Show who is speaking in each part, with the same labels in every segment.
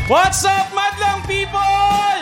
Speaker 1: What's up, madlang people?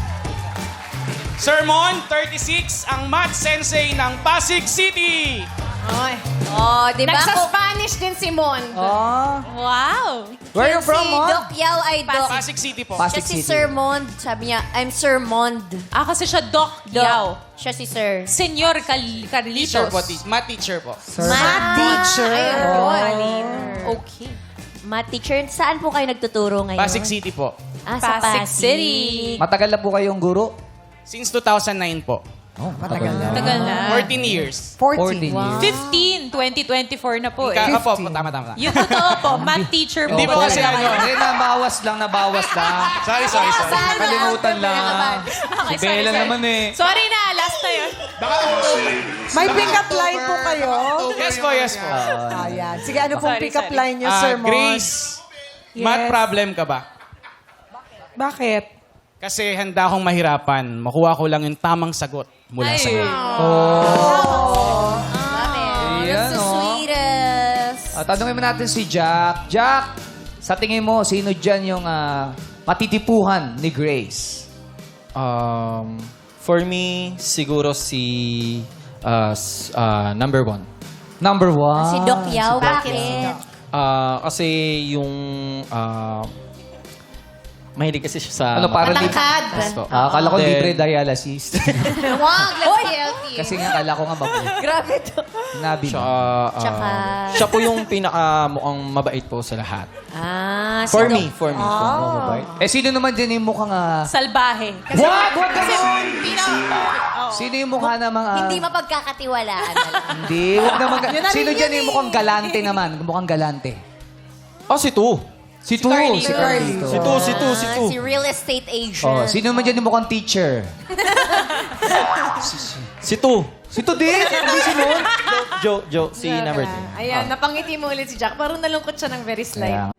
Speaker 1: Sir Mon, 36, ang math sensei ng Pasig City.
Speaker 2: Oy.
Speaker 3: Oh, di ba?
Speaker 2: Nagsa-Spanish din si Mon.
Speaker 4: Oh.
Speaker 3: Wow!
Speaker 4: Where you from,
Speaker 3: Si
Speaker 4: Mon?
Speaker 3: Doc Yao ay Doc.
Speaker 1: Pasig City po.
Speaker 4: Pasig
Speaker 3: Siya si
Speaker 4: City.
Speaker 3: Sir Mond. Sabi niya, I'm Sir Mond.
Speaker 5: Kasi siya Doc
Speaker 3: Doc.
Speaker 5: Yao.
Speaker 3: Siya si Sir.
Speaker 5: Senyor
Speaker 1: Teacher
Speaker 5: Carlitos.
Speaker 1: po, math teacher po.
Speaker 3: Math teacher.
Speaker 2: Ayun.
Speaker 5: Okay.
Speaker 3: Math teacher. Saan po kayo nagtuturo ngayon?
Speaker 1: Pasig City po.
Speaker 3: Sa
Speaker 5: Pasig
Speaker 3: Pasig.
Speaker 5: City.
Speaker 4: Matagal na po kayong guro?
Speaker 1: Since 2009 po.
Speaker 4: Oh, matagal na.
Speaker 5: Tagal na.
Speaker 1: 14 years.
Speaker 4: 14 years.
Speaker 5: 15, 2024 na po eh.
Speaker 1: Opo, tama.
Speaker 5: Yung totoo po, math teacher po.
Speaker 1: Hindi po kasi ano.
Speaker 4: Hindi, nabawas lang.
Speaker 1: Sorry.
Speaker 4: Kalimutan lang.
Speaker 5: Okay,
Speaker 4: Si Bella naman eh.
Speaker 5: Sorry na, last na yun.
Speaker 6: May pick-up line po kayo?
Speaker 1: Yes po.
Speaker 6: Ayan. Sige, ano pong
Speaker 5: Sorry,
Speaker 6: pick-up
Speaker 5: sorry.
Speaker 6: line niyo, Sir Mon?
Speaker 1: Grace, math problem ka ba?
Speaker 6: Bakit?
Speaker 1: Kasi handa akong mahirapan. Makuha ko lang yung tamang sagot mula sa iyo.
Speaker 4: Ayan,
Speaker 3: The
Speaker 4: oh.
Speaker 3: sweetest.
Speaker 4: Tanungin mo natin si Jack. Jack, sa tingin mo, sino dyan yung matitipuhan ni Grace?
Speaker 7: For me, siguro si number one.
Speaker 4: Number one.
Speaker 3: Si Doc Yao.
Speaker 4: Si Doc
Speaker 3: Bakit?
Speaker 4: Yao.
Speaker 7: Kasi yung mahilig kasi siya sa...
Speaker 4: Para
Speaker 2: Matangkad.
Speaker 7: Yes po.
Speaker 4: Akala ko
Speaker 7: Then-
Speaker 4: libre dialysis.
Speaker 2: Wag, let's be healthy.
Speaker 4: Kasi nga, akala ko nga mabuti.
Speaker 3: Grabe to.
Speaker 4: Sinabi mo.
Speaker 3: Tsaka...
Speaker 7: Siya po yung pinaka mukhang mabait po sa lahat.
Speaker 3: Si
Speaker 7: For
Speaker 3: Doc-
Speaker 7: me.
Speaker 4: Sino naman dyan yung mukhang...
Speaker 5: Salbahe.
Speaker 4: What? What Sino yung mukha namang...
Speaker 3: Hindi mapagkakatiwalaan.
Speaker 4: Hindi. Huwag naman... Sino dyan yung mukhang galante naman? Mukhang galante.
Speaker 7: Si Tu.
Speaker 4: Si Tu. Si Carlito.
Speaker 3: Si real estate agent.
Speaker 4: Oh, sino naman dyan yung mukhang teacher?
Speaker 7: Si Tu.
Speaker 4: Si Tu din. Hindi si Mon.
Speaker 7: Joe, si number 3.
Speaker 2: Ayan, napangiti mo ulit si Jack. Parang nalungkot siya ng very slight.
Speaker 4: Kaya-